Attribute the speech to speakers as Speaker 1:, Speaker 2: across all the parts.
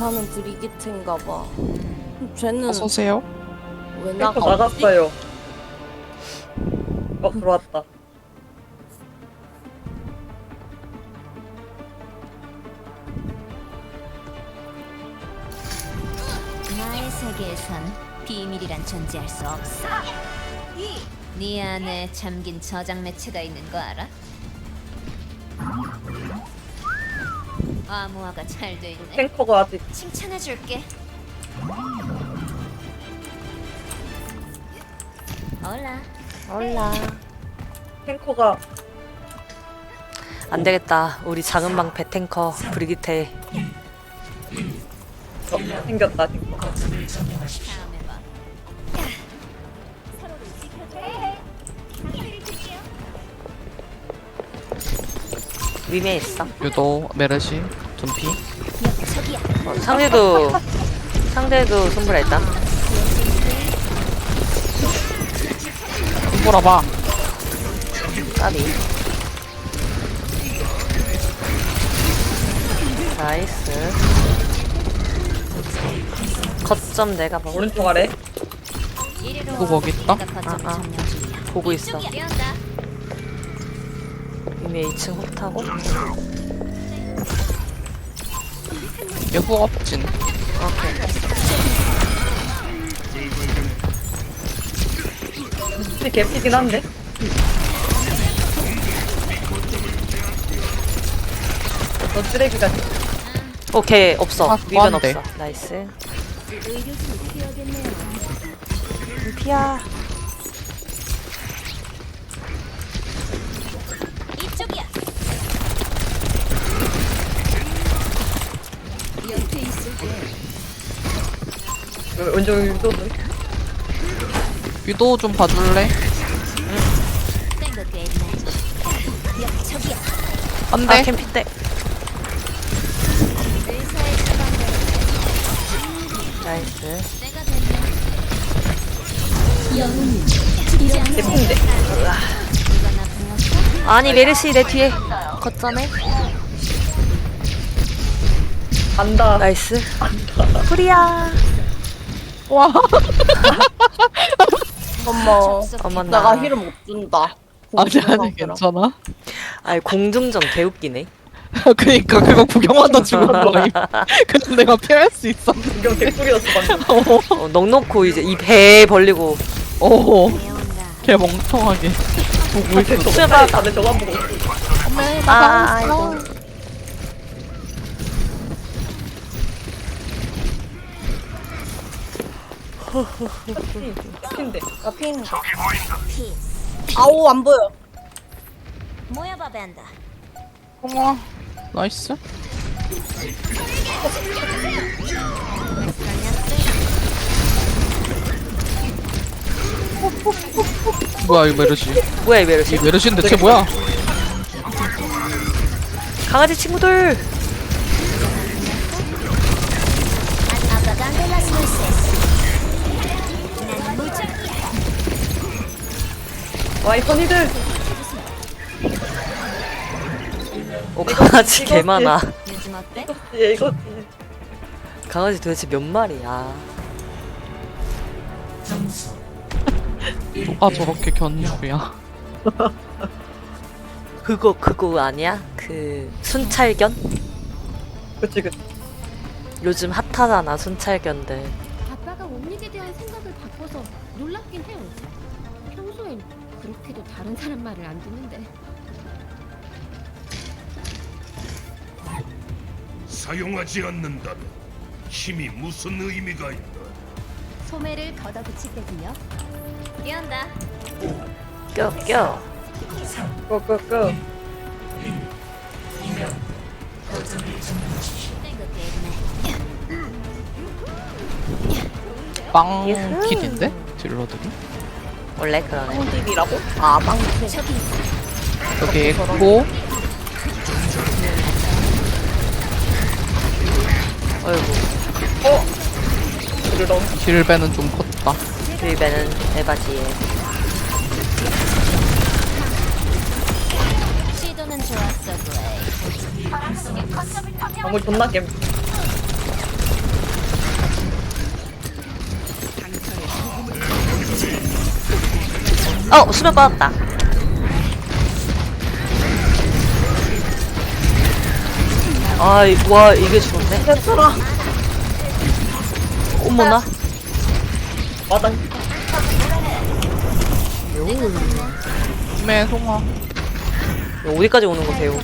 Speaker 1: 사는 브리기트인가 봐. 쟤는
Speaker 2: 어서오세요.
Speaker 1: 왜
Speaker 3: 탱커
Speaker 1: 나가?
Speaker 3: 나갔어요. 들어왔다.
Speaker 4: 나의 세계에선 비밀이란 존재할 수 없어. 네 안에 잠긴 저장 매체가 있는 거 알아? 암호화가 잘 돼 있네.
Speaker 3: 탱커가 아직
Speaker 4: 칭찬해줄게. 올라.
Speaker 1: 몰라.
Speaker 3: 탱커가
Speaker 5: 안 되겠다. 우리 작은 방 배탱커 브리기테.
Speaker 3: 생겼다 탱커.
Speaker 4: 다음에 봐.
Speaker 5: 위메 있어.
Speaker 2: 유도, 메르시, 둠피.
Speaker 4: 저기야.
Speaker 5: 상대도 손브라 있다.
Speaker 2: 손보라봐.
Speaker 5: 까비. 나이스. 거점 내가 먹을
Speaker 3: 오른쪽 아래.
Speaker 4: 이리로
Speaker 2: 누구 거기 있다?
Speaker 4: 내가 거점을
Speaker 5: 아.
Speaker 4: 점령 중이야.
Speaker 5: 보고 있어.
Speaker 4: 이쪽이야. 뛰어온다.
Speaker 5: 위메 2층 훅 타고.
Speaker 2: 얘 후업진.
Speaker 5: 오케이.
Speaker 3: 근데 개피긴 한데. 너 쓰레기가
Speaker 5: 오케이 없어.
Speaker 2: 아,
Speaker 5: 위면
Speaker 2: 뭐한데?
Speaker 5: 없어. 나이스. 피야.
Speaker 4: 이쪽이야.
Speaker 3: 왼쪽 유도는
Speaker 2: 유도 좀 봐줄래?
Speaker 4: 땡겨 있네. 저기야.
Speaker 2: 안
Speaker 5: 아
Speaker 2: 돼.
Speaker 5: 캠피 때.
Speaker 4: 의사의 처방대로
Speaker 5: 나이스.
Speaker 4: 내가 되면
Speaker 3: 개피인데.
Speaker 4: 이거 나 불렀어?
Speaker 5: 아니 메르시 내 뒤에. 거점에.
Speaker 3: 간다.
Speaker 5: 나이스. 프리야.
Speaker 2: 와.
Speaker 1: 어머,
Speaker 5: 어머
Speaker 1: 내가
Speaker 5: 나.
Speaker 1: 힐을 못 준다.
Speaker 2: 아니 괜찮아.
Speaker 5: 아니 공중전 개웃기네.
Speaker 2: 그니까 그거 구경하다 죽은 거임. 그냥 내가 피할 수 있어.
Speaker 3: 이경 개꿀이었어 방금.
Speaker 5: 넉넉고 이제 이 배 벌리고.
Speaker 2: 오.
Speaker 4: 배운다.
Speaker 2: 걔 멍청하게 보고 있어.
Speaker 5: 제발.
Speaker 3: 다들 저만 보고 있어.
Speaker 5: 아 아이고.
Speaker 3: 개피인데.
Speaker 1: 나 피는 거.
Speaker 4: 피스.
Speaker 1: 아우, 안 보여.
Speaker 4: 모여봐 밴다.
Speaker 2: 어머. 나이스. 뭐야 이 메르시?
Speaker 5: 뭐야 이 메르시.
Speaker 2: 이 메르시인데 쟤 뭐야?
Speaker 5: 강아지 친구들.
Speaker 4: 아빠가 las luces. 난 무적.
Speaker 3: 와이 선이들.
Speaker 5: 오 강아지 개 많아.
Speaker 4: 요즘 어때?
Speaker 3: 얘 이거
Speaker 5: 강아지 도대체 몇 마리야?
Speaker 2: 누가 저렇게 견주야?
Speaker 5: 그거 아니야? 그 순찰견?
Speaker 3: 그치 그치.
Speaker 5: 요즘 핫하잖아 순찰견들.
Speaker 6: 아빠가 옴닉에 대한 생각을 바꿔서 놀랍긴 해요. 평소엔 그렇게도 다른 사람 말을 안 듣는데.
Speaker 7: 사용하지 않는다면 힘이 무슨 의미가 있나?
Speaker 6: 소매를 걷어붙일 때군요.
Speaker 4: 뛰어온다.
Speaker 5: 껴.
Speaker 3: 고고고.
Speaker 4: 땡겨 있네.
Speaker 2: 빵 킬인데? 딜러들이?
Speaker 5: 원래 그러네.
Speaker 1: 홈딜이라고? 아, 망치.
Speaker 4: 저기 있어.
Speaker 2: 여기 있고
Speaker 5: 어이구.
Speaker 3: 그러던.
Speaker 2: 딜배는 좀 컸다.
Speaker 5: 딜배는 에바지에.
Speaker 4: 시도는 좋았어, 브레이.
Speaker 3: 방울 존나 겜.
Speaker 5: 수면 빠졌다. 와, 이게 죽었네.
Speaker 1: 됐더라.
Speaker 5: 어머나.
Speaker 3: 마당.
Speaker 2: 매 송아.
Speaker 5: 이거 어디까지 오는 거세요?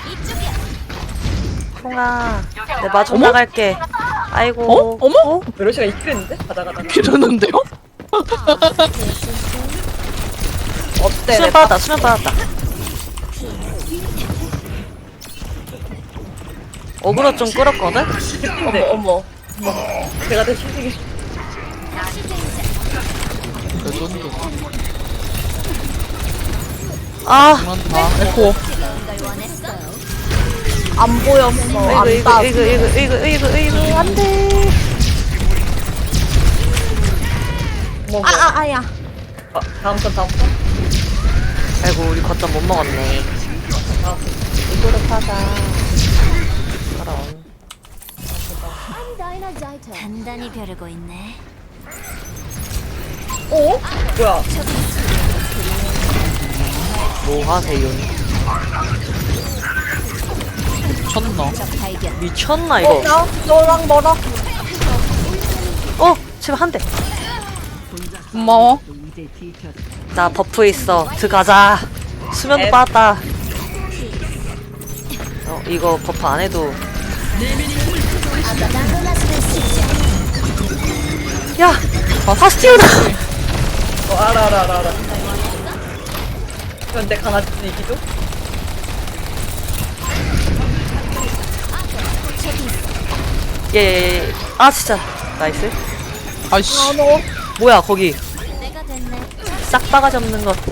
Speaker 5: 송아, 내 마중 나갈게. 아이고.
Speaker 2: 어머?
Speaker 3: 메르시가 이끌했는데? 가다가다가.
Speaker 2: 이러는데요?
Speaker 1: 어때?
Speaker 5: 수면 빠졌다, 수면 빠졌다. 어그로 좀 끌었거든?
Speaker 3: 근데
Speaker 1: 어머.
Speaker 3: 제가 더 신세계.
Speaker 2: 그 정도.
Speaker 5: 아,
Speaker 2: 그만다. 에코.
Speaker 1: 안 보였어. 안 따.
Speaker 5: 이거, 안 돼.
Speaker 1: 아야.
Speaker 3: 다음 턴.
Speaker 5: 아이고, 우리 거점 못 먹었네. 이거로 파자. 그럼.
Speaker 4: 단단히 벼르고 있네.
Speaker 3: 어? 뭐야?
Speaker 5: 뭐 하세요?
Speaker 2: 미쳤나?
Speaker 4: 적 발견.
Speaker 5: 미쳤나, 이거?
Speaker 1: 야, 너랑 멀어.
Speaker 5: 제발 한 대.
Speaker 2: 고마워.
Speaker 5: 나 버프 있어. 들어가자. 수면도 빠졌다. 이거 버프 안 해도. 야! 바스티오다!
Speaker 3: 알아. 그런데 강아지 이기죠?
Speaker 5: 예. 아, 진짜. 나이스.
Speaker 2: 아이씨.
Speaker 5: 뭐야, 거기.
Speaker 4: 내가 됐네.
Speaker 5: 싹 바가지 없는 것.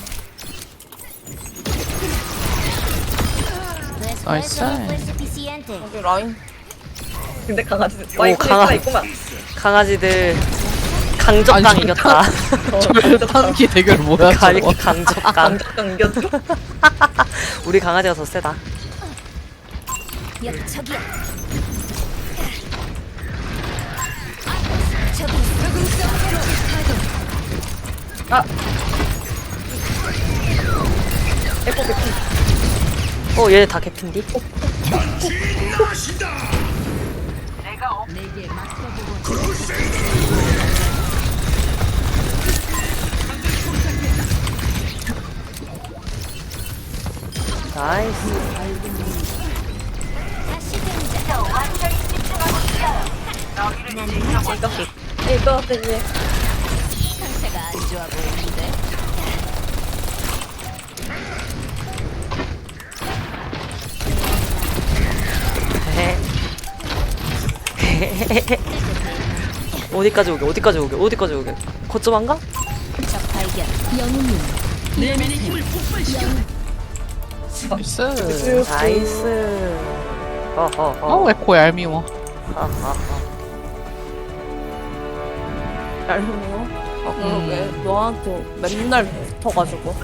Speaker 2: 나이스.
Speaker 1: 여기 라인.
Speaker 3: 근데 강아지.
Speaker 5: 오,
Speaker 3: 와이프가 있구만.
Speaker 5: 강아지들. 강적강
Speaker 2: 아니,
Speaker 5: 이겼다.
Speaker 2: 탄기 대결 뭐야 저거.
Speaker 5: 강적강.
Speaker 3: 강적강 이겼죠?
Speaker 5: 우리 강아지가 더 세다.
Speaker 4: 저기야.
Speaker 3: 에코 개피.
Speaker 5: 얘네 다 개핀디? 나이스.
Speaker 3: 이거 되지.
Speaker 4: 상태가 안 좋아 보이는데.
Speaker 5: 어디까지 오게? 거점 안 가?
Speaker 4: 적 발견.
Speaker 2: 나이스.
Speaker 5: 나이스.
Speaker 2: 어 에코 얄미워.
Speaker 1: 얄미워. 그러게. 너한테 맨날 붙어가지고.